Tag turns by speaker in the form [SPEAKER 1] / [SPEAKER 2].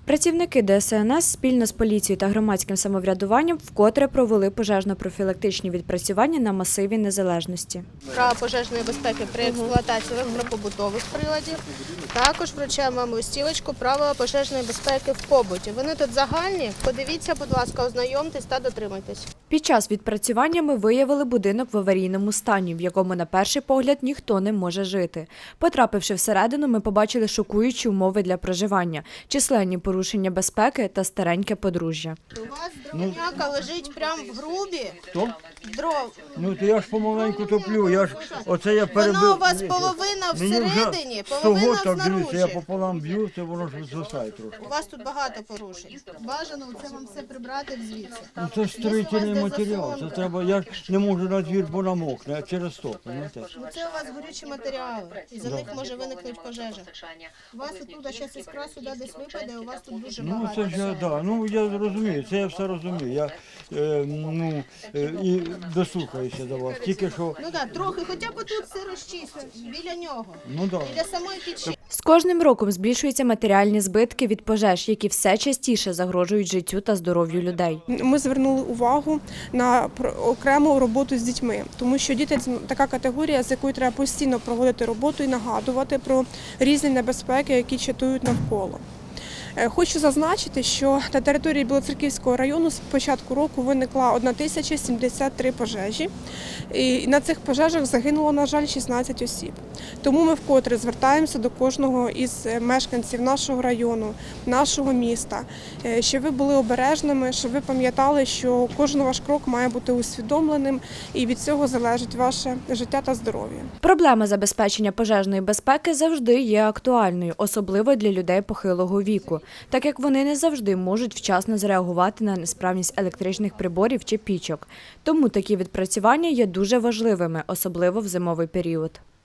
[SPEAKER 1] Працівники ДСНС спільно з поліцією та громадським самоврядуванням вкотре провели пожежно-профілактичні відпрацювання на масиві Незалежності.
[SPEAKER 2] Правила пожежної безпеки при експлуатації електропобутових приладів. Також вручаємо вам листівочку правила пожежної безпеки в побуті. Вони тут загальні. Подивіться, будь ласка, ознайомтесь та дотримайтесь.
[SPEAKER 1] Під час відпрацювання ми виявили будинок в аварійному стані, в якому на перший погляд ніхто не може жити. Потрапивши всередину, ми побачили шокуючі умови для проживання, численні порушення безпеки та стареньке подружжя.
[SPEAKER 2] У вас дровняка лежить прямо в грубі.
[SPEAKER 3] Хто?
[SPEAKER 2] Дров.
[SPEAKER 3] Ну то я ж помаленьку топлю, я ж оце я перебив.
[SPEAKER 2] Воно у вас половина всередині, половина
[SPEAKER 3] так дивіться, я
[SPEAKER 2] знаружі.
[SPEAKER 3] пополам б'ю, то воно ж згасає трошки.
[SPEAKER 2] У вас тут багато порушень. Бажано це вам все прибрати звідси.
[SPEAKER 3] Ну це ж строїтельний матеріал, це треба, я ж не можу на двір, бо намокне, а через то, розумієте?
[SPEAKER 2] Ну це у вас горючі матеріали, і за них може виникнути пожежа. У вас тут зараз іскра сюди десь випаде, у вас тут дуже
[SPEAKER 3] Ну
[SPEAKER 2] багато.
[SPEAKER 3] це ж я, да, ну я розумію, це я все розумію, я і дослухаюся до вас, тільки що,
[SPEAKER 2] Ну так, трохи, хоча б тут все розчистить, біля нього,
[SPEAKER 3] ну да.
[SPEAKER 2] біля самої печі.
[SPEAKER 1] З кожним роком збільшуються матеріальні збитки від пожеж, які все частіше загрожують життю та здоров'ю людей.
[SPEAKER 4] Ми звернули увагу на окрему роботу з дітьми, тому що діти – це така категорія, з якою треба постійно проводити роботу і нагадувати про різні небезпеки, які чатують навколо. Хочу зазначити, що на території Білоцерківського району з початку року виникла 1073 пожежі. І на цих пожежах загинуло, на жаль, 16 осіб. Тому ми вкотре звертаємося до кожного із мешканців нашого району, нашого міста, щоб ви були обережними, щоб ви пам'ятали, що кожен ваш крок має бути усвідомленим і від цього залежить ваше життя та здоров'я.
[SPEAKER 1] Проблема забезпечення пожежної безпеки завжди є актуальною, особливо для людей похилого віку, так як вони не завжди можуть вчасно зреагувати на несправність електричних приборів чи пічок. Тому такі відпрацювання є дуже важливими, особливо в зимовий період.